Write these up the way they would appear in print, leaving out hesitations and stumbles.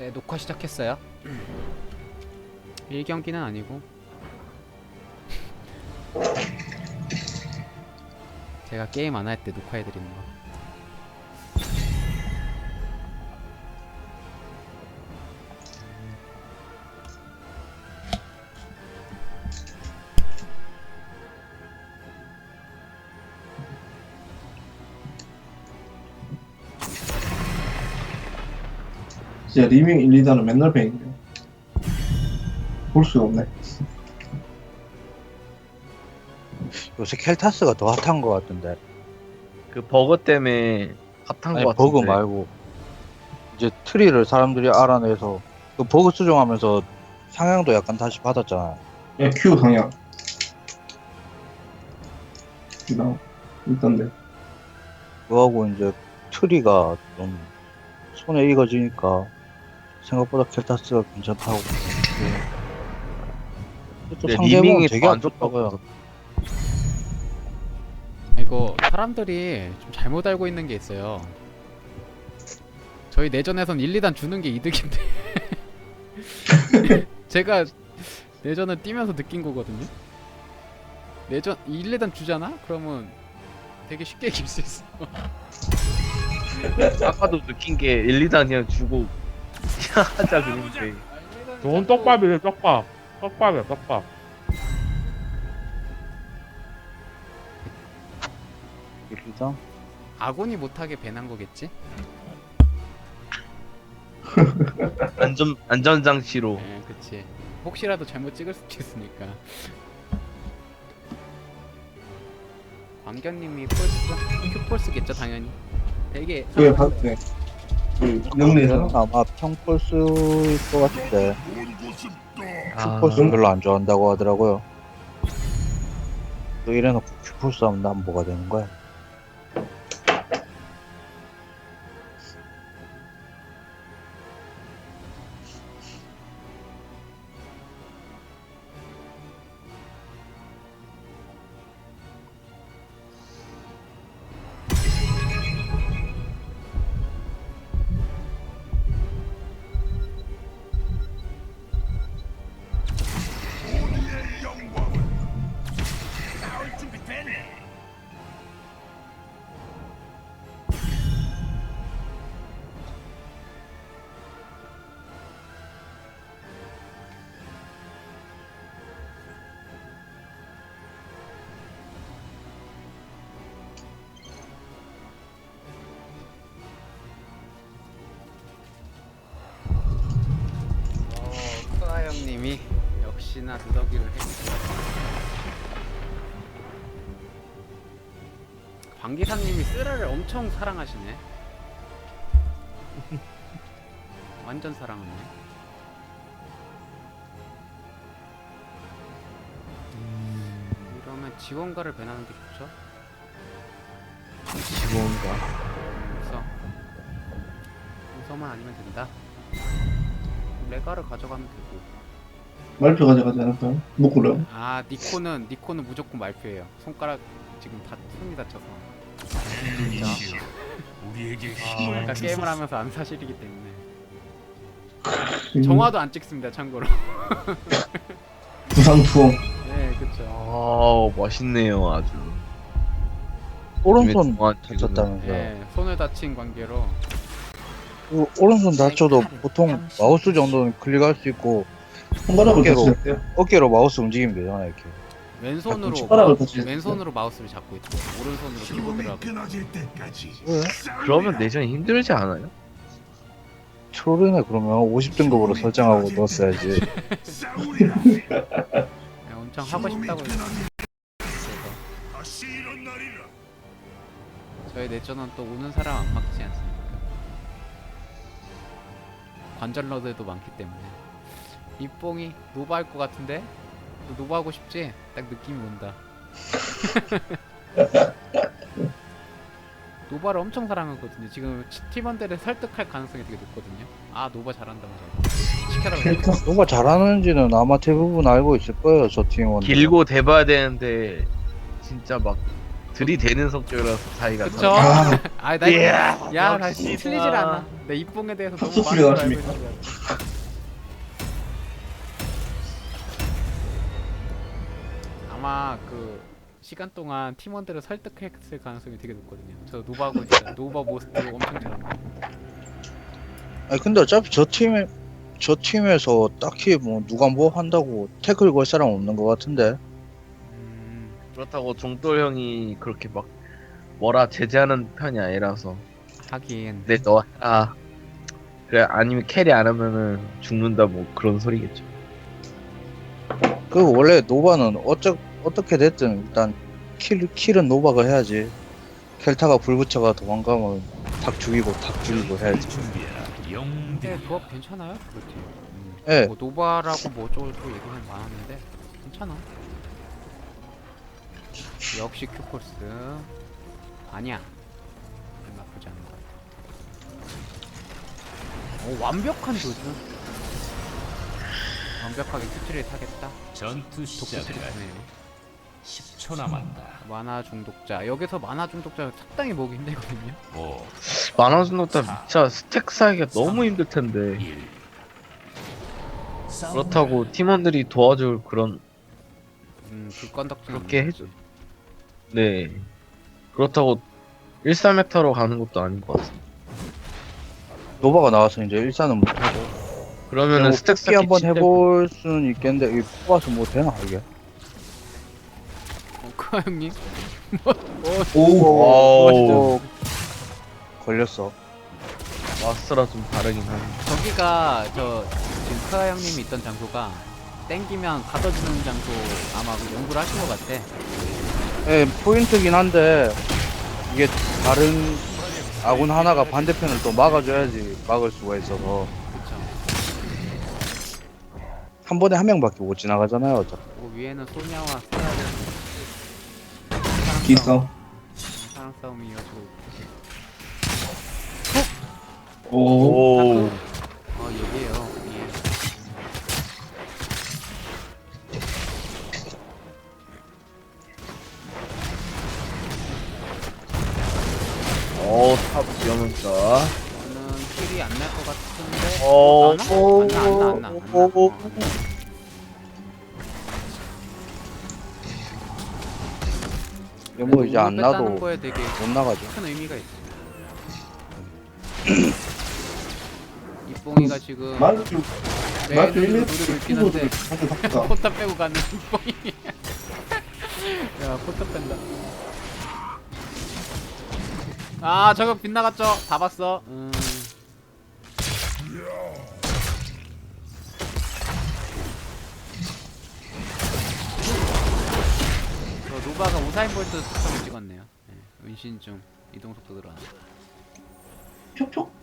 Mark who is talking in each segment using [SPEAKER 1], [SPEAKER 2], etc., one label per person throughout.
[SPEAKER 1] 네, 녹화 시작했어요. 1경기는 아니고 제가 게임 안 할 때 녹화해드리는 거.
[SPEAKER 2] 진짜 리밍 1, 2단은 맨날 뱅이네. 볼 수가 없네.
[SPEAKER 3] 요새 켈타스가 더 핫한 것 같은데.
[SPEAKER 4] 그 버거 때문에 핫한
[SPEAKER 3] 아니
[SPEAKER 4] 거 같은데.
[SPEAKER 3] 버그 말고 이제 트리를 사람들이 알아내서 그 버그 수정하면서 상향도 약간 다시 받았잖아.
[SPEAKER 2] 야, Q 방향. 나 있던데.
[SPEAKER 3] 그거하고 이제 트리가 좀 손에 익어지니까 생각보다 켈타스가 괜찮다고. 또
[SPEAKER 4] 근데
[SPEAKER 3] 상대방은
[SPEAKER 4] 리밍이
[SPEAKER 3] 되게
[SPEAKER 4] 더 안
[SPEAKER 3] 안 좋다고요.
[SPEAKER 1] 이거 사람들이 좀 잘못 알고 있는 게 있어요. 저희 내전에선 1, 2단 주는 게 이득인데 제가 내전을 뛰면서 느낀 거거든요. 내전 1, 2단 주잖아? 그러면 되게 쉽게 이길 수 있어.
[SPEAKER 4] 아까도 느낀 게 1, 2단 그냥 주고 그냥 하자 그랬는데.
[SPEAKER 5] 좋은 떡밥이래. 떡밥. 떡밥이야 떡밥.
[SPEAKER 3] 일단
[SPEAKER 1] 아군이 못하게 배난 거겠지?
[SPEAKER 4] 안전장치로.
[SPEAKER 1] 예, 그치. 혹시라도 잘못 찍을 수도 있으니까. 광견님이 폴스? 큐폴스겠죠 당연히. 되게
[SPEAKER 2] 그게 봤네. 그, 영리에서.
[SPEAKER 3] 아마 평폴스일 것 같은데
[SPEAKER 4] 아,
[SPEAKER 3] 큐폴스 별로 안 좋아한다고 하더라고요. 또 이래놓고 큐폴스 하면 난 뭐가 되는 거야?
[SPEAKER 1] 크아 형님이 역시나 누더기를 해주세요. 광기사님이 쓰라를 엄청 사랑하시네. 완전 사랑하네. 이러면 지원가를 배나는 게 좋죠.
[SPEAKER 4] 지원가.
[SPEAKER 1] 우서만 아니면 된다. 레가를 가져가면 되고.
[SPEAKER 2] 말표 가져가지 않을까요? 묶으려.
[SPEAKER 1] 아 니코는 무조건 말표예요. 손가락 지금 다 손이 다쳐서. 진짜. 아까 게임을 하면서 안 사실이기 때문에. 정화도 안 찍습니다. 참고로.
[SPEAKER 2] 부상 투어.
[SPEAKER 1] 네, 그쵸.
[SPEAKER 4] 아, 멋있네요, 아주.
[SPEAKER 3] 오른손
[SPEAKER 4] 정말
[SPEAKER 3] 다쳤다면서요.
[SPEAKER 1] 네, 손을 다친 관계로.
[SPEAKER 3] 그 오른손 다쳐도 보통 마우스 정도는 클릭할 수 있고
[SPEAKER 2] 손가락을
[SPEAKER 3] 어깨로.
[SPEAKER 2] 다치셨대요.
[SPEAKER 3] 어깨로 마우스 움직이면 되잖아 이렇게.
[SPEAKER 1] 왼손으로
[SPEAKER 2] 손가락을 다치셨대요.
[SPEAKER 1] 왼손으로 마우스를 잡고 있고 오른손으로 키보드를 하고.
[SPEAKER 3] 왜?
[SPEAKER 4] 그러면 내전이 힘들지 않아요?
[SPEAKER 3] 트롤이네. 그러면 50등급으로 설정하고 넣었어야지.
[SPEAKER 1] 네, 엄청 하고 싶다고 해서. 저희 내전은 또 우는 사람 안 막지 않습니까? 관절러들도 많기 때문에. 이뽕이 노바 할 것 같은데? 너 노바 하고 싶지? 딱 느낌이 온다. 노바를 엄청 사랑하거든요. 지금 팀원들을 설득할 가능성이 되게 높거든요. 아 노바 잘한다면서 시켜달라고.
[SPEAKER 2] 켈타스.
[SPEAKER 3] 누가 잘하는지는 아마 대부분 알고 있을 거예요 저 팀원.
[SPEAKER 4] 길고 대봐야 되는데 진짜 막 들이대는 성격이라서 차이가
[SPEAKER 1] 그쵸?
[SPEAKER 2] 아,
[SPEAKER 1] 아나 야, 다시 틀리질 않아. 내 입봉에 대해서 너무
[SPEAKER 2] 탑소
[SPEAKER 1] 많은
[SPEAKER 2] 소리가
[SPEAKER 1] 걸 알고
[SPEAKER 2] 나십니까?
[SPEAKER 1] 있는 거야. 아마 그 시간 동안 팀원들을 설득했을 가능성이 되게 높거든요. 저 노바고 진짜 노바 모스트 엄청 잘합니다.
[SPEAKER 3] 아니 근데 어차피 저 팀에서 딱히 뭐 누가 뭐 한다고 태클 걸 사람 없는 것 같은데.
[SPEAKER 4] 그렇다고 종돌 형이 그렇게 막 뭐라 제재하는 편이 아니라서
[SPEAKER 1] 하긴
[SPEAKER 4] 근데 너 해라 그래 아니면 캐리 안 하면은 죽는다 뭐 그런 소리겠죠.
[SPEAKER 3] 그 원래 노바는 어떻게 됐든 일단 킬은 노바가 해야지. 켈타가 불 붙여가 도망가면 닭 죽이고 해야지.
[SPEAKER 1] 근데 조합 괜찮아요? 그렇지.
[SPEAKER 3] 예.
[SPEAKER 1] 뭐 노바라고 뭐 어쩌고 저쩌고 얘기는 많았는데 괜찮아. 역시 큐코스 아니야. 나쁘지 않은 것 같아. 오, 완벽한 도전. 완벽하게 큐트를 타겠다.
[SPEAKER 6] 전투 시작까지
[SPEAKER 1] 독큐트리네요.
[SPEAKER 6] 10초 남았다.
[SPEAKER 1] 만화 중독자. 여기서 만화 중독자 상당히 모으기 힘들거든요.
[SPEAKER 6] 5,
[SPEAKER 4] 만화 중독자 진짜 스택 쌓기가 너무 힘들 텐데
[SPEAKER 6] 1.
[SPEAKER 4] 그렇다고 팀원들이 도와줄 그런
[SPEAKER 1] 불건덕지는
[SPEAKER 4] 그렇게
[SPEAKER 1] 없는
[SPEAKER 4] 해줘.
[SPEAKER 1] 거지.
[SPEAKER 4] 네 그렇다고 13메타로 가는 것도 아닌 것 같습니다.
[SPEAKER 3] 노바가 나와서 이제 일산은 못하고.
[SPEAKER 4] 그러면은
[SPEAKER 3] 뭐
[SPEAKER 4] 스택
[SPEAKER 3] 뽑기
[SPEAKER 4] 쌓기
[SPEAKER 3] 한번
[SPEAKER 4] 진짜
[SPEAKER 3] 해볼 수는 있겠는데 이게 뽑아서 뭐 되나 이게?
[SPEAKER 1] 크아 형님?
[SPEAKER 2] 오,
[SPEAKER 3] 오, 걸렸어.
[SPEAKER 4] 마스터라 좀 다르긴 하네.
[SPEAKER 1] 저기가 저 지금 크아 형님이 있던 장소가 땡기면 가둬주는 장소 아마 그 연구를 하신 것 같아.
[SPEAKER 3] 예, 포인트긴 한데 이게 다른 아군 하나가 반대편을 또 막아줘야지 막을 수가 있어서
[SPEAKER 1] 그쵸.
[SPEAKER 3] 한 번에 한 명밖에 못 지나가잖아요. 어차피.
[SPEAKER 1] 그 위에는 소냐와 스타를
[SPEAKER 2] 기싸.
[SPEAKER 1] 사랑 싸움이 이어지고 있고.
[SPEAKER 2] 오,
[SPEAKER 1] 얘기해요. 예.
[SPEAKER 4] 탑 위험한다.
[SPEAKER 1] 저는 킬이 안 날 것 같은데.
[SPEAKER 4] 어,
[SPEAKER 1] 안 나.
[SPEAKER 3] 이게 뭐 이제 안
[SPEAKER 1] 뺐다는
[SPEAKER 3] 나도
[SPEAKER 1] 거에 되게
[SPEAKER 3] 못 나가죠.
[SPEAKER 1] 큰 의미가 있어. 이뽕이가 지금
[SPEAKER 2] 말투
[SPEAKER 1] 내
[SPEAKER 2] 말투
[SPEAKER 1] 눈으로
[SPEAKER 2] 1m
[SPEAKER 1] 노리고 있긴 한데
[SPEAKER 2] 한대 바꾸다.
[SPEAKER 1] 포탑 빼고 가는 이뽕이. 야 포탑 뺀다. 아 저격 빗나갔죠? 다 봤어. 저 노바가 우사인 볼트 속성을 찍었네요. 네, 은신 중 이동 속도 늘어나.
[SPEAKER 2] 촉촉.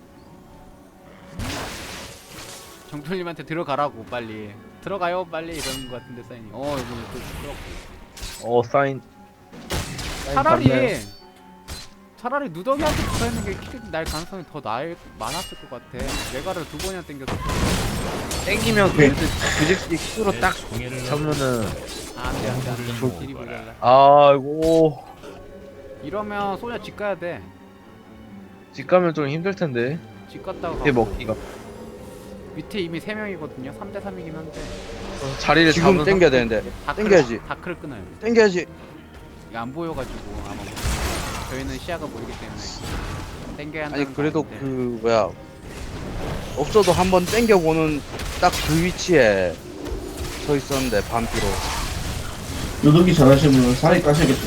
[SPEAKER 1] 정철님한테 들어가라고 빨리. 들어가요 빨리 이러는 것 같은데 사인이. 이거 또 부끄럽고.
[SPEAKER 4] 사인.
[SPEAKER 1] 차라리 차라리 누더기한테 붙어있는 게 킬이 날 가능성이 더 많았을 것 같아. 메가를 2번이나 땡겨서.
[SPEAKER 4] 땡기면
[SPEAKER 2] 네.
[SPEAKER 4] 그집기 킥으로 딱 잡으면은
[SPEAKER 1] 안돼 딜이 모자라.
[SPEAKER 4] 아이고
[SPEAKER 1] 이러면 소냐 집 가야 돼.
[SPEAKER 4] 집 가면 좀 힘들 텐데.
[SPEAKER 1] 집 갔다가
[SPEAKER 4] 밑에
[SPEAKER 1] 가고.
[SPEAKER 4] 먹기가
[SPEAKER 1] 밑에 이미 3명이거든요 3대 3이긴 한데
[SPEAKER 4] 자리를
[SPEAKER 3] 지금
[SPEAKER 4] 잡은
[SPEAKER 3] 땡겨야 되는데 땡겨야지.
[SPEAKER 1] 다크를 끊어요.
[SPEAKER 3] 땡겨야지.
[SPEAKER 1] 이게 안 보여가지고 아마 저희는 시야가 보이기 때문에 땡겨야 한다는
[SPEAKER 3] 아니 그래도
[SPEAKER 1] 거
[SPEAKER 3] 그 뭐야 없어도 한번 땡겨보는 딱 그 위치에 서 있었는데 반피로.
[SPEAKER 2] 요독이 잘하시는 분은 살이 까셔야겠죠.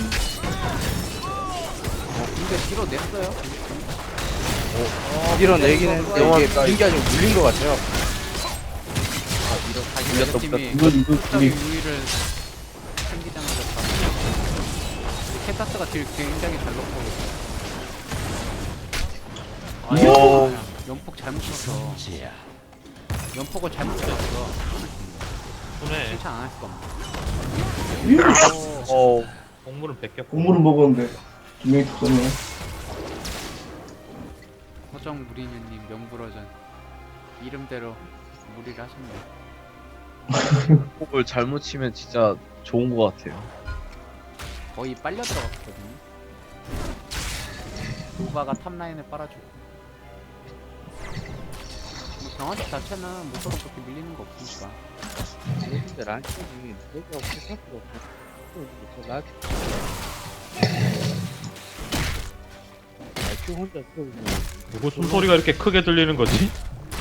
[SPEAKER 1] 근데 뒤로 냈어요.
[SPEAKER 3] 밀어내긴 했는데 이게 빙기 아니고 물린 것 같아요.
[SPEAKER 1] 다시
[SPEAKER 4] 밀렸다,
[SPEAKER 1] 팀이
[SPEAKER 2] 이거
[SPEAKER 1] 숫자의
[SPEAKER 2] 우리
[SPEAKER 1] 우위를 챙기자마자 바로 켄타스가 딜 굉장히 잘 넣고
[SPEAKER 4] 오.
[SPEAKER 1] 연폭 잘못 쳤어. 연폭을 잘못 쳤어.
[SPEAKER 5] 손에
[SPEAKER 1] 칭찬 안 할 수가 없네.
[SPEAKER 5] 동물은 뺏겼고
[SPEAKER 2] 국물을 먹었는데 두 명이 죽었네.
[SPEAKER 1] 허정 무리뉴님 명불허전 이름대로 무리를 하셨네.
[SPEAKER 4] 폭을 잘못 치면 진짜 좋은 것 같아요.
[SPEAKER 1] 거의 빨려 들어갔거든요. 노바가 탑라인을 빨아주고. 뭐 경화적 자체는 목소로 그렇게 밀리는 거 없으니까.
[SPEAKER 3] 근데 란킹이 내가 없을 수가 없어. 나 IQ 혼자 키우고
[SPEAKER 5] 누구 숨소리가 이렇게 크게 들리는 거지?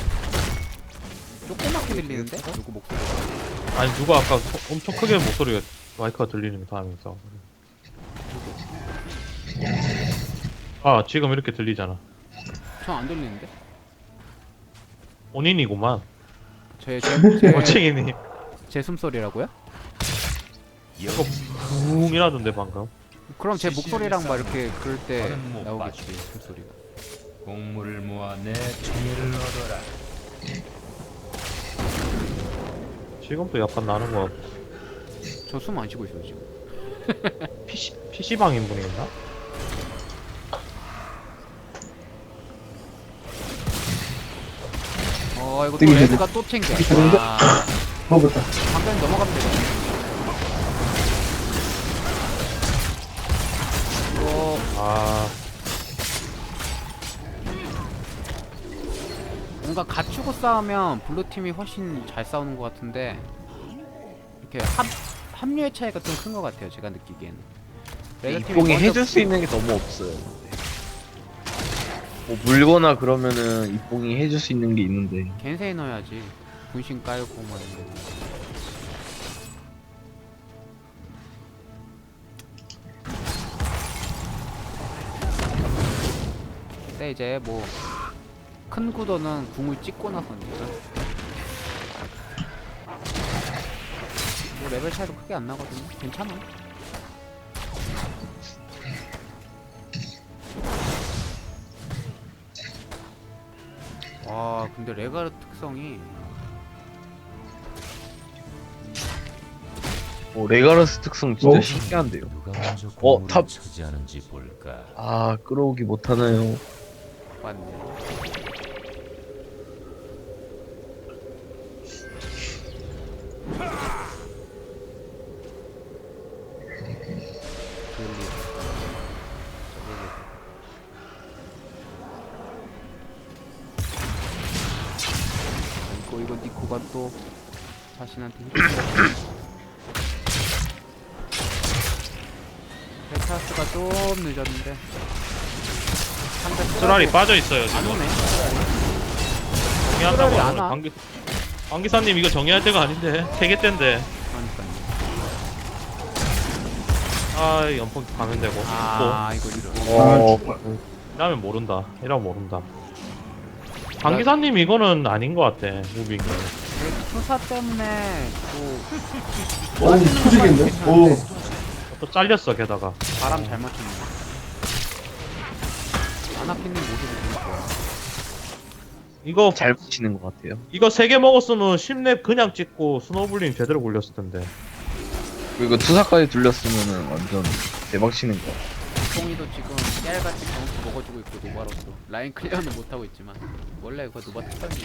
[SPEAKER 1] 조그맣게 들리는데? 누구 목소리?
[SPEAKER 5] 아니 누가 아까 엄청 크게 목소리가 마이크가 들리는 거 하면서. 아 지금 이렇게 들리잖아.
[SPEAKER 1] 전 안 들리는데?
[SPEAKER 5] 본인이구만.
[SPEAKER 1] 제
[SPEAKER 5] 호칭이니.
[SPEAKER 1] 숨소리라고요?
[SPEAKER 5] 이거 붕이라던데 방금.
[SPEAKER 1] 그럼 제 목소리랑 막 이렇게 그럴 때
[SPEAKER 6] 저는 못
[SPEAKER 1] 나오겠지
[SPEAKER 6] 봤지.
[SPEAKER 1] 숨소리가.
[SPEAKER 6] 공물을 모아 내 총애를 얻어라.
[SPEAKER 5] 지금도 약간 나는 거.
[SPEAKER 1] 저 숨 안 쉬고 있어요 지금.
[SPEAKER 5] PC방 인분인가?
[SPEAKER 1] 이거 또
[SPEAKER 2] 되게
[SPEAKER 1] 레드가 또 챙겨.
[SPEAKER 2] 되게
[SPEAKER 1] 와,
[SPEAKER 2] 먹었다.
[SPEAKER 1] 방금 넘어가면 되거든. 이거
[SPEAKER 5] 아
[SPEAKER 1] 뭔가 갖추고 싸우면 블루 팀이 훨씬 잘 싸우는 것 같은데 이렇게 합류의 차이가 좀 큰 것 같아요. 제가 느끼기에는. 레드 팀이
[SPEAKER 4] 이뽕이
[SPEAKER 1] 먼저
[SPEAKER 4] 해줄 수 있는 게 너무 없어요. 뭐 물거나 그러면은 이뽕이 해줄 수 있는 게 있는데
[SPEAKER 1] 겐세이 넣어야지. 분신 깔고 막 이런 거. 근데 이제 뭐 큰 구도는 궁을 찍고 나서니까 뭐 레벨 차이도 크게 안 나거든요. 괜찮아. 와 근데 레가르 특성이
[SPEAKER 4] 레가러스 특성 진짜
[SPEAKER 2] 어?
[SPEAKER 4] 신기한데요.
[SPEAKER 6] 누가 먼저
[SPEAKER 4] 탑.
[SPEAKER 6] 공물을 차지하는지 볼까.
[SPEAKER 4] 아 끌어오기 못하나요?
[SPEAKER 1] 맞네. 이거 니코가 또 자신한테 베타스가 좀 늦었는데 상대
[SPEAKER 5] 쓰라리 빠져 있어요
[SPEAKER 1] 안
[SPEAKER 5] 지금.
[SPEAKER 1] 오네.
[SPEAKER 5] 정리한다고
[SPEAKER 1] 쓰라리 안
[SPEAKER 5] 하는
[SPEAKER 1] 와.
[SPEAKER 5] 관기사님 이거 정리할 때가 아닌데 3개 때인데.
[SPEAKER 1] 그러니까요.
[SPEAKER 5] 아 연폭 가면 되고. 또
[SPEAKER 1] 아 이거 이거.
[SPEAKER 2] 아, 정말.
[SPEAKER 5] 이러면 모른다. 이러면 모른다. 관기사님 이거는 아닌 것 같아. 무빙이.
[SPEAKER 1] 투사 때문에 또
[SPEAKER 2] 오, 터지겠네. 오,
[SPEAKER 5] 또 잘렸어 게다가.
[SPEAKER 1] 바람 잘 맞췄네. 아나핀님 모습이 너무 좋아.
[SPEAKER 5] 이거
[SPEAKER 4] 잘 붙이는 것 같아요.
[SPEAKER 5] 이거 3개 먹었으면 10렙 그냥 찍고 스노블링 제대로 굴렸을 텐데.
[SPEAKER 4] 그리고 투사까지 둘렸으면은 완전 대박 치는 거.
[SPEAKER 1] 뽕이도 지금 깨알같이 경수 먹어주고 있고 노바로서 라인 클리어는 못하고 있지만 원래 그거 노바 특성이지.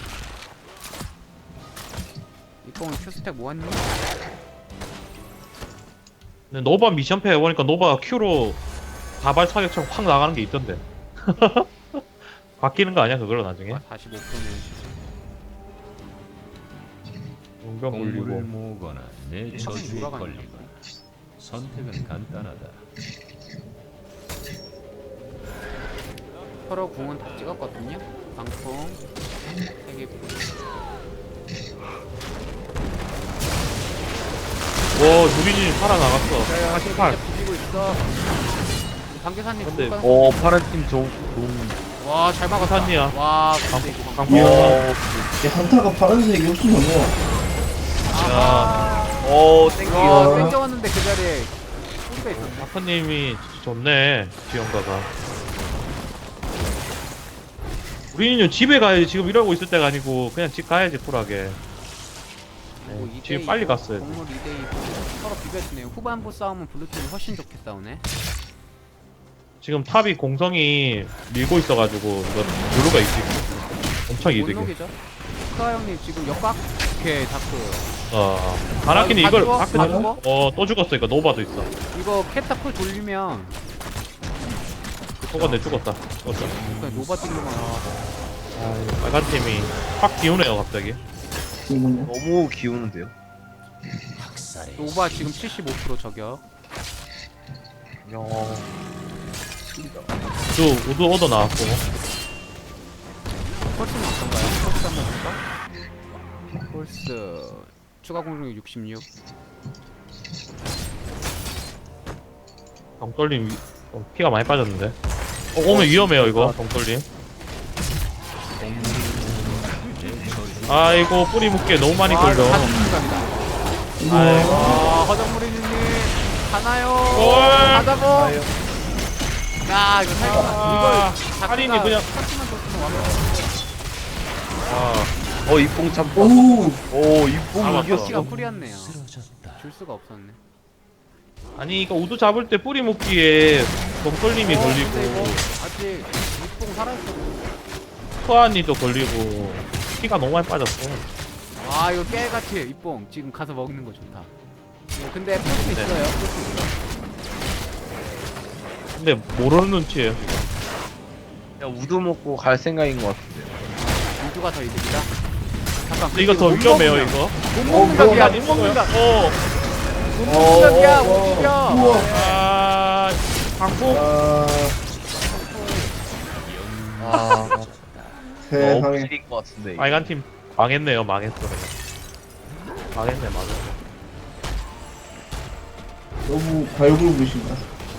[SPEAKER 1] 이 뽕은 큐스택 모았니?
[SPEAKER 5] 근데 노바 미션패 해보니까 노바가 Q로 다발 사격처럼 확 나가는 게 있던데. 바뀌는 거 아니야 그걸로 나중에?
[SPEAKER 1] 45%는
[SPEAKER 5] 용병
[SPEAKER 6] 공물을
[SPEAKER 5] 굴리고.
[SPEAKER 6] 모으거나 내 저주에
[SPEAKER 1] 돌아가는
[SPEAKER 6] 걸리거나. 선택은 간단하다.
[SPEAKER 1] 서로 궁은 다 찍었거든요. 방풍 3개
[SPEAKER 5] 와 유빈이 살아나갔어. 48.
[SPEAKER 1] 부지고 있어. 방계사님
[SPEAKER 5] 근데
[SPEAKER 4] 파란 팀 좋은.
[SPEAKER 1] 와잘 막았다.
[SPEAKER 5] 산이야.
[SPEAKER 1] 와 근데 이거
[SPEAKER 5] 방풍.
[SPEAKER 2] 이야. 이 한타가 파란색이 없으면 뭐.
[SPEAKER 1] 와
[SPEAKER 2] 땡겨.
[SPEAKER 1] 땡겨왔는데 그 자리에 소리가 있었네.
[SPEAKER 5] 아프님이 좋네 지원가가. 우리는 집에 가야지. 지금 일하고 있을 때가 아니고 그냥 집 가야지 쿨하게.
[SPEAKER 1] 뭐
[SPEAKER 5] 네,
[SPEAKER 1] 2대2
[SPEAKER 5] 지금 빨리 갔어요.
[SPEAKER 1] 동물 2대2 서로 비벼주네요. 후반부 싸움은 블루팀이 훨씬 좋게 싸우네.
[SPEAKER 5] 지금 탑이 공성이 밀고 있어가지고 이거 블루가 이기고 엄청
[SPEAKER 1] 못
[SPEAKER 5] 이득이.
[SPEAKER 1] 녹이죠. 크아 형님 지금 역각 이렇게 다크.
[SPEAKER 5] 바라키는
[SPEAKER 1] 다
[SPEAKER 5] 이걸
[SPEAKER 1] 죽어?
[SPEAKER 5] 다크
[SPEAKER 1] 다 죽어?
[SPEAKER 5] 또 죽었어. 이거 노바도 있어.
[SPEAKER 1] 이거 캐타풀 돌리면 그
[SPEAKER 5] 죽었네 죽었다. 죽었어.
[SPEAKER 1] 그냥 노바 딜로만 나와.
[SPEAKER 5] 아, 빨간 팀이 확 기우네요 갑자기.
[SPEAKER 2] 이거는
[SPEAKER 4] 너무 기우는데요.
[SPEAKER 1] 노바 지금 75% 저격.
[SPEAKER 5] 우드 오더 나왔고.
[SPEAKER 1] 펄스는 어떤가요? 펄스 한번 볼까? 펄스 추가 공격력 66.
[SPEAKER 5] 덩떨림 피가 많이 빠졌는데. 오면 위험해요 이거 덩떨림. 아이고 뿌리 묶기에 너무 많이 걸려.
[SPEAKER 1] 이거 사진 감이다.
[SPEAKER 5] 아이고.
[SPEAKER 1] 허정무리님 가나요?
[SPEAKER 5] 올!
[SPEAKER 1] 가자고. 야 이거 살짝
[SPEAKER 5] 아,
[SPEAKER 1] 이걸
[SPEAKER 5] 할인이 그냥-
[SPEAKER 1] 터치만 줬으면 완벽.
[SPEAKER 5] 아,
[SPEAKER 4] 이뽕 참.
[SPEAKER 2] 오
[SPEAKER 4] 오 이뽕
[SPEAKER 5] 아, 맞다.
[SPEAKER 4] 이겼어.
[SPEAKER 1] 터치가 풀이었네요. 줄 수가 없었네.
[SPEAKER 5] 아니 이거 우드 잡을 때 뿌리 묶기에 덩떨림이
[SPEAKER 1] 근데
[SPEAKER 5] 걸리고
[SPEAKER 1] 이거 아직 육봉 살아있어.
[SPEAKER 5] 투아니도 걸리고 피가 너무 많이 빠졌어.
[SPEAKER 1] 아 이거 깨같이 입봉 지금 가서 먹는 거 좋다. 근데 풀수
[SPEAKER 5] 네.
[SPEAKER 1] 있어요. 풀수 있어.
[SPEAKER 5] 근데 모르는 눈치예요 지금.
[SPEAKER 4] 그냥 우드 먹고 갈 생각인 것 같은데요.
[SPEAKER 1] 우주가 더 이득이다. 잠깐.
[SPEAKER 5] 근데 이거 더 위험해요 이거.
[SPEAKER 1] 못 먹는 각이야.
[SPEAKER 5] 아니,
[SPEAKER 1] 못 먹는 각.
[SPEAKER 5] 어.
[SPEAKER 1] 못 먹는 각이야. 못 죽여.
[SPEAKER 2] 우와
[SPEAKER 5] 아, 방폭.
[SPEAKER 2] 아 세상에
[SPEAKER 4] 너무 것 같은데. 이거.
[SPEAKER 5] 빨간 팀 망했네요. 망했어. 그냥. 망했네, 망했네.
[SPEAKER 2] 너무 발굴부신다.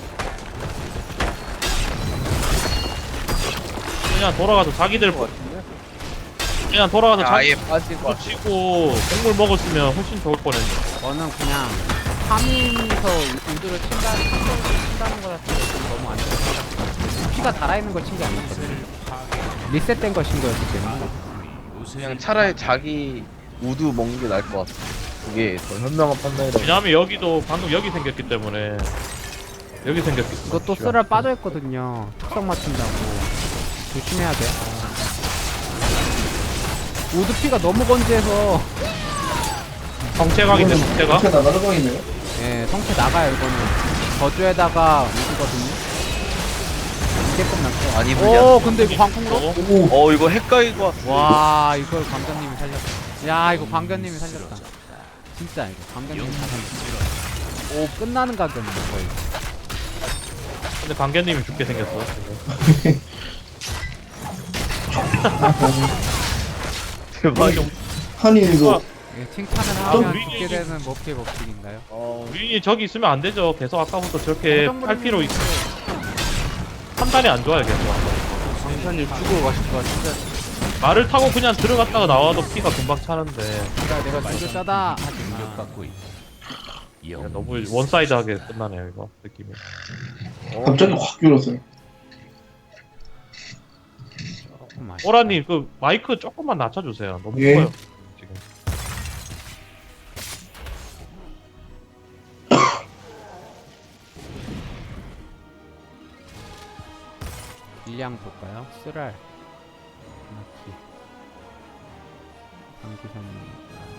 [SPEAKER 5] 그냥 돌아가서 자기들 그냥 돌아가서
[SPEAKER 4] 아예
[SPEAKER 5] 자기
[SPEAKER 4] 빠질 것 같아.
[SPEAKER 5] 치고 곡물 먹었으면 훨씬 좋을 뻔했네.
[SPEAKER 1] 저는 그냥 3인서 우주를 친다는 거 자체가 너무 안 좋다. 피가 달아있는 걸 친 게 아니었거든요. 리셋된 걸 친 거였기 때문에.
[SPEAKER 4] 그냥 차라리 자기 우드 먹는 게 나을 것 같아. 그게 더 현명한 판단이라고.
[SPEAKER 5] 왜냐하면 여기도 방금 여기 생겼기 때문에 여기 생겼기 때문에.
[SPEAKER 1] 이것도 쓰랄 빠져있거든요. 특성 맞춘다고. 조심해야 돼. 우드 피가 너무 건재해서
[SPEAKER 5] 성체각인데 성체각?
[SPEAKER 2] 진짜 나가는 거이네요.
[SPEAKER 1] 예, 성체 나가요 이거는. 저주에다가 우드거든요. 이게 끝났어.
[SPEAKER 4] 아니,
[SPEAKER 1] 오, 근데 이거 광풍으로?
[SPEAKER 2] 오
[SPEAKER 4] 이거 헷갈릴 것 같아.
[SPEAKER 1] 와, 이걸 광견님이 살렸다. 야, 이거 광견님이 살렸다. 진짜 이거 광견님이 다 살렸다. 오, 끝나는 각이었네 거의.
[SPEAKER 5] 근데 강견님이 죽게 생겼어. 지금.
[SPEAKER 4] 대박.
[SPEAKER 2] 한이 이거
[SPEAKER 1] 예, 칭찬을
[SPEAKER 5] 좀
[SPEAKER 1] 하면
[SPEAKER 5] 위기-
[SPEAKER 1] 죽게 되는 머피의 법칙인가요?
[SPEAKER 5] 우린이 저기 있으면 안 되죠. 계속 아까부터 저렇게
[SPEAKER 1] 허정무리님
[SPEAKER 5] 할 필요 있어. 판단이 안 좋아요 계속.
[SPEAKER 3] 강사님 죽어가실 것 같은데.
[SPEAKER 5] 말을 타고 그냥 들어갔다가 나와도 피가 금방 차는데
[SPEAKER 1] 내가 죽을 짜다 하지만
[SPEAKER 6] 공격받고 있다.
[SPEAKER 5] 그냥 너무 원사이드하게 끝나네요 이거 느낌이.
[SPEAKER 2] 갑자기 확 줄었어요.
[SPEAKER 1] 조금 아쉽다.
[SPEAKER 5] 오라님 그 마이크 조금만 낮춰주세요. 너무
[SPEAKER 2] 예.
[SPEAKER 5] 커요 지금.
[SPEAKER 1] 일량 볼까요? 쓰랄 마키 방기사님.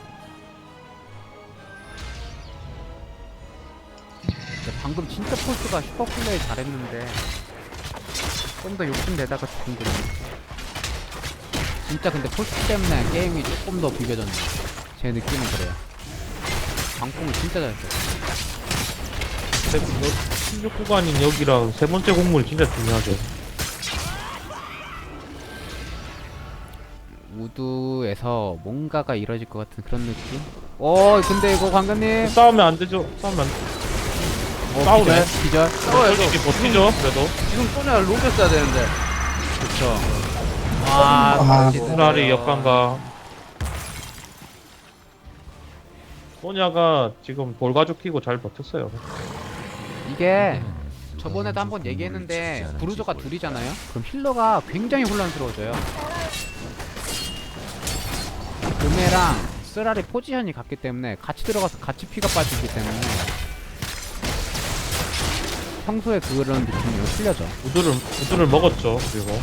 [SPEAKER 1] 방금 진짜 폴스가 슈퍼플레이 잘했는데 좀 더 욕심내다가 죽은 거네. 진짜 근데 폴스 때문에 게임이 조금 더 비벼졌네. 제 느낌은 그래요. 방공을 진짜 잘했어요.
[SPEAKER 5] 16구간인 여기랑 세 번째 곡물 진짜 중요하죠.
[SPEAKER 1] 우드에서 뭔가가 이뤄질 것 같은 그런 느낌? 오, 근데 이거 관장님
[SPEAKER 5] 싸우면 안 되죠. 싸우면 안 돼. 싸우네.
[SPEAKER 1] 기절.
[SPEAKER 5] 솔직히 버티죠. 그래도
[SPEAKER 3] 지금 소녀를 녹였어야 되는데.
[SPEAKER 1] 그쵸.
[SPEAKER 2] 아,
[SPEAKER 1] 다시
[SPEAKER 5] 차라리
[SPEAKER 1] 들어요.
[SPEAKER 5] 역관가. 소냐가 지금 돌가죽 키고 잘 버텼어요.
[SPEAKER 1] 이게 저번에도 한번 얘기했는데 브루저가 둘이잖아요? 그럼 힐러가 굉장히 혼란스러워져요. 금해랑 쓰라리 포지션이 같기 때문에 같이 들어가서 같이 피가 빠지기 때문에 평소에 그런 느낌이 틀려져.
[SPEAKER 5] 우드를 먹었죠. 그리고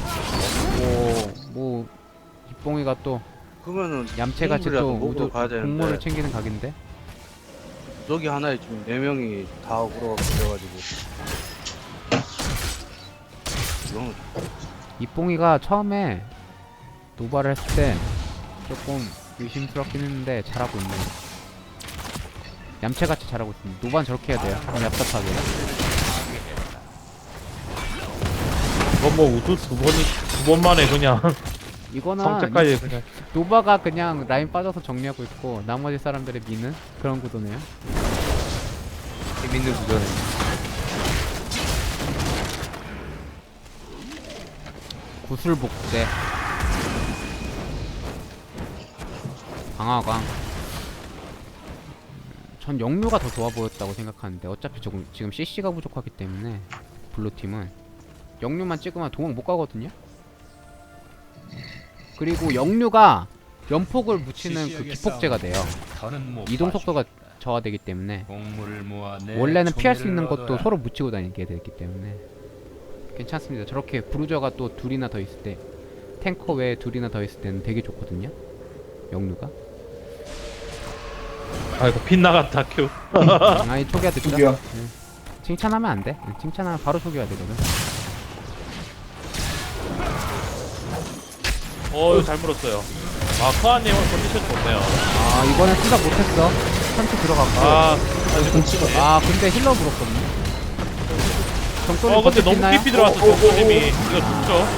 [SPEAKER 1] 뭐 이뽕이가 또
[SPEAKER 3] 그러면은
[SPEAKER 1] 얌체같이
[SPEAKER 3] 공물이라도
[SPEAKER 1] 또
[SPEAKER 3] 먹으러
[SPEAKER 1] 우드
[SPEAKER 3] 가야 되는데.
[SPEAKER 1] 공모를 챙기는 각인데.
[SPEAKER 3] 여기 하나에 지금 4명이 다 오고 그래가지고 그런 거.
[SPEAKER 1] 이뽕이가 처음에 노바를 했을 때 조금 의심스럽긴 했는데 잘하고 있네. 얌체같이 잘하고 있습니다. 노바는 저렇게 해야 돼요. 좀 얍삽하게.
[SPEAKER 5] 이건 뭐 우드 두 번만에 그냥
[SPEAKER 1] 이거는
[SPEAKER 5] 성체까지 그냥.
[SPEAKER 1] 노바가 그냥 라인 빠져서 정리하고 있고 나머지 사람들의 미는 그런 구도네요.
[SPEAKER 4] 재밌는 구조네.
[SPEAKER 1] 구슬복제 강화광. 전 영묘가 더 좋아 보였다고 생각하는데 어차피 지금 CC가 부족하기 때문에 블루팀은 영묘만 찍으면 도망 못 가거든요. 그리고 영묘가 연폭을 묻히는 그 기폭제가 돼요.
[SPEAKER 6] 더는 못
[SPEAKER 1] 이동
[SPEAKER 6] 봐주겠다.
[SPEAKER 1] 속도가 저하되기 때문에
[SPEAKER 6] 공물을 모아 내
[SPEAKER 1] 원래는 피할 수
[SPEAKER 6] 총애를
[SPEAKER 1] 있는 것도
[SPEAKER 6] 얻어라.
[SPEAKER 1] 서로 묻히고 다니게 되기 때문에 괜찮습니다. 저렇게 브루저가 또 둘이나 더 있을 때 탱커 외에 둘이나 더 있을 때는 되게 좋거든요. 영루가.
[SPEAKER 5] 아이고 빗나갔다 큐.
[SPEAKER 1] 아니 초기화 듣죠?
[SPEAKER 2] 초기화.
[SPEAKER 1] 칭찬하면 안 돼. 칭찬하면 바로 초기화 되거든.
[SPEAKER 5] 이거 잘 물었어요. 아 크아님 오늘 컨디션 좋네요.
[SPEAKER 1] 아 이번엔 생각 못했어. 선수 들어갔고.
[SPEAKER 2] 공치가
[SPEAKER 1] 근데 힐러 물었거든요. 정소리
[SPEAKER 5] 근데 너무
[SPEAKER 1] 버텼나요?
[SPEAKER 5] 깊이 들어왔어 정소님이. 이거 죽죠.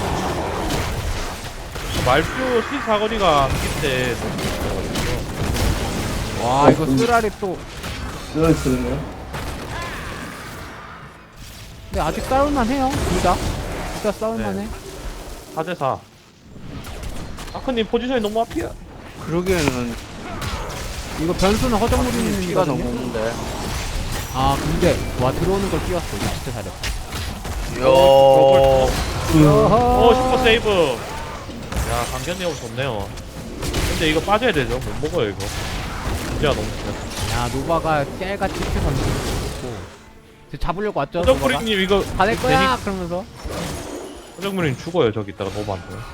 [SPEAKER 5] 말표 시 사거리가 한기때 너무 깊어가지고.
[SPEAKER 1] 와 이거 쓰라리 또.
[SPEAKER 2] 들어있거든요.
[SPEAKER 1] 근데 아직 싸울만 해요. 둘 다 싸울만 해.
[SPEAKER 5] 4대4. 아크님 포지션이 너무 앞이야.
[SPEAKER 3] 그러기에는
[SPEAKER 1] 이거 변수는 허정무리는
[SPEAKER 3] 피가 너무
[SPEAKER 1] 이거든요.
[SPEAKER 3] 없는데.
[SPEAKER 1] 아 근데 와 들어오는 걸 끼웠어. 이거 진짜 잘했다.
[SPEAKER 5] 슈퍼 세이브. 야 강견이 형 좋네요. 근데 이거 빠져야 되죠. 못 먹어요 이거. 문제가 너무 심해.
[SPEAKER 1] 야 노바가 깨알같이 튀 던지고 잡으려고 왔죠.
[SPEAKER 5] 허정무리님 이거
[SPEAKER 1] 받을 거야 그러면서.
[SPEAKER 5] 허정무리님 죽어요 저기 있다가 너무 안 돼요.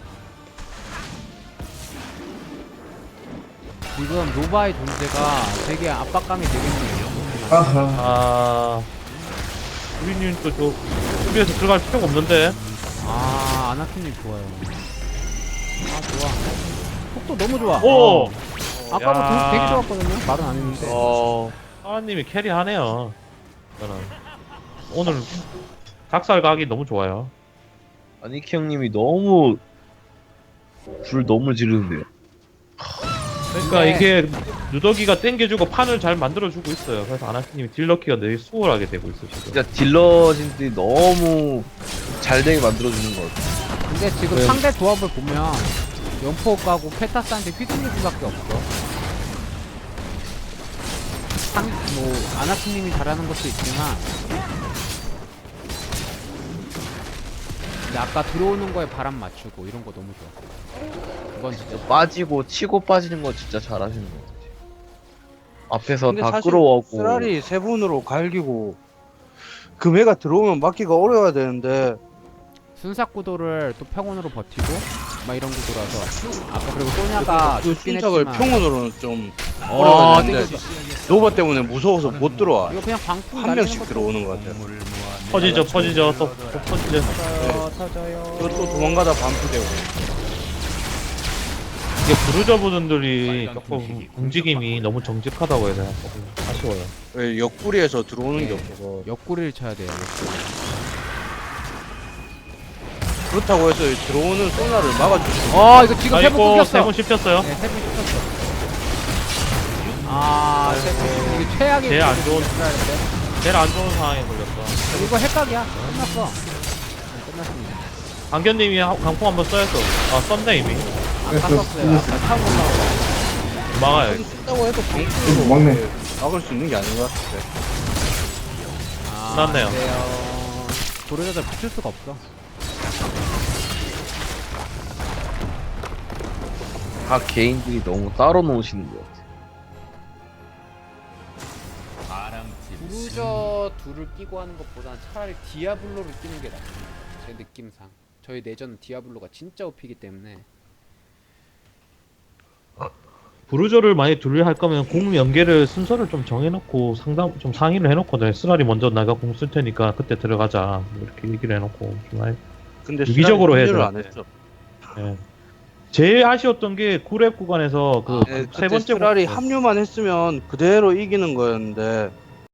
[SPEAKER 1] 지금 노바의 존재가 되게 압박감이 되겠네요.
[SPEAKER 2] 아하.
[SPEAKER 5] 우리님 또저 수비에서 들어갈 필요가 없는데.
[SPEAKER 1] 아나키님 좋아요. 좋아. 속도 너무 좋아.
[SPEAKER 5] 오.
[SPEAKER 1] 아까도
[SPEAKER 5] 야.
[SPEAKER 1] 되게 좋았거든요. 말은 안 했는데.
[SPEAKER 5] 하나님이 캐리하네요. 저는 오늘 닭살 각이 너무 좋아요.
[SPEAKER 4] 아니키 형님이 너무 불 너무 지르는데요.
[SPEAKER 5] 그러니까
[SPEAKER 1] 네.
[SPEAKER 5] 이게 누더기가 땡겨주고 판을 잘 만들어주고 있어요. 그래서 아나키님이 딜러키가 되게 수월하게 되고 있어요. 지금.
[SPEAKER 4] 진짜 딜러진들이 너무 잘 되게 만들어주는 것 같아요.
[SPEAKER 1] 근데 지금
[SPEAKER 5] 네.
[SPEAKER 1] 상대 조합을 보면 연포 가고 페타스한테 휘둘릴 수밖에 없어. 아나키님이 잘하는 것도 있지만 근데 아까 들어오는 거에 바람 맞추고 이런 거 너무 좋아. 그건 진짜
[SPEAKER 4] 빠지고 치고 빠지는 거 진짜 잘하시는 것 같아요. 앞에서
[SPEAKER 3] 근데
[SPEAKER 4] 다
[SPEAKER 3] 사실
[SPEAKER 4] 끌어오고
[SPEAKER 3] 쓰라리 세 분으로 갈기고 금해가 들어오면 막기가 어려워야 되는데
[SPEAKER 1] 순삭 구도를 또 평온으로 버티고 막 이런 구도라서 아까 그리고 소냐가
[SPEAKER 3] 그
[SPEAKER 1] 죽긴
[SPEAKER 3] 순삭을
[SPEAKER 1] 했지만
[SPEAKER 3] 평온으로는 좀
[SPEAKER 1] 어,
[SPEAKER 3] 어려워야 되는데
[SPEAKER 1] 땡겼어.
[SPEAKER 3] 노바 때문에 무서워서 못 들어와.
[SPEAKER 1] 이거 그냥 방풍
[SPEAKER 3] 한
[SPEAKER 1] 날리는
[SPEAKER 3] 명씩
[SPEAKER 1] 것도
[SPEAKER 3] 들어오는 것 같아요.
[SPEAKER 6] 공물을 모아 내
[SPEAKER 5] 퍼지죠,
[SPEAKER 6] 총애를
[SPEAKER 5] 또
[SPEAKER 6] 얻어라.
[SPEAKER 5] 퍼지죠.
[SPEAKER 1] 터져요.
[SPEAKER 3] 또 도망가다 반피되고.
[SPEAKER 5] 이게 브루저분들이 조금 움직임이 너무 정직하다고 해야 되나 조금 아쉬워요.
[SPEAKER 3] 왜 옆구리에서 들어오는
[SPEAKER 1] 네.
[SPEAKER 3] 게 없어서.
[SPEAKER 1] 옆구리를 쳐야 돼요.
[SPEAKER 3] 그렇다고 해서 들어오는 소나를 막아주시고.
[SPEAKER 1] 이거 지금 세번
[SPEAKER 5] 아이고
[SPEAKER 1] 끊겼어.
[SPEAKER 5] 세번 씹혔어요.
[SPEAKER 1] 네, 세번 끊겼어. 세번 이게 최악의
[SPEAKER 5] 제일 안
[SPEAKER 1] 구도를
[SPEAKER 5] 좋은-
[SPEAKER 1] 했어야 되는데.
[SPEAKER 5] 제일 안 좋은 상황에 걸렸어.
[SPEAKER 1] 이거 핵각이야. 끝났어. 네, 끝났습니다.
[SPEAKER 5] 강견님이 강풍 한번 써야죠. 썼네 이미.
[SPEAKER 1] 아까 썼어요. 아까 타고 올라오고.
[SPEAKER 5] 막아요.
[SPEAKER 3] 쓴다고 해도
[SPEAKER 2] 이거
[SPEAKER 3] 방풀로
[SPEAKER 2] 막네.
[SPEAKER 3] 막을 수 있는 게 아닌 것 같은데.
[SPEAKER 5] 끝났네요.
[SPEAKER 1] 도로자들 붙일 수가 없어.
[SPEAKER 4] 각 개인들이 너무 따로 놓으시는 것 같아요.
[SPEAKER 6] 바람팀
[SPEAKER 1] 브루저 둘을 끼고 하는 것보다는 차라리 디아블로를 끼는 게 나아요. 제 느낌상. 저희 내전은 디아블로가 진짜 OP이기 때문에.
[SPEAKER 5] 브루저를 많이 둘리 할 거면 공 연계를 순서를 좀 정해놓고 상의를 해놓거든. 쓰라리 먼저 내가 공 쓸 테니까 그때 들어가자 이렇게 얘기를 해놓고 좀
[SPEAKER 3] 근데
[SPEAKER 5] 유기적으로
[SPEAKER 3] 시간이
[SPEAKER 5] 해야
[SPEAKER 3] 합류를 안
[SPEAKER 5] 되는데.
[SPEAKER 3] 했죠.
[SPEAKER 5] 예. 제일 아쉬웠던 게 9렙 구간에서 그
[SPEAKER 3] 네,
[SPEAKER 5] 세
[SPEAKER 3] 그때
[SPEAKER 5] 번째
[SPEAKER 3] 스랄이
[SPEAKER 5] 공-
[SPEAKER 3] 합류만 했으면 그대로 이기는 거였는데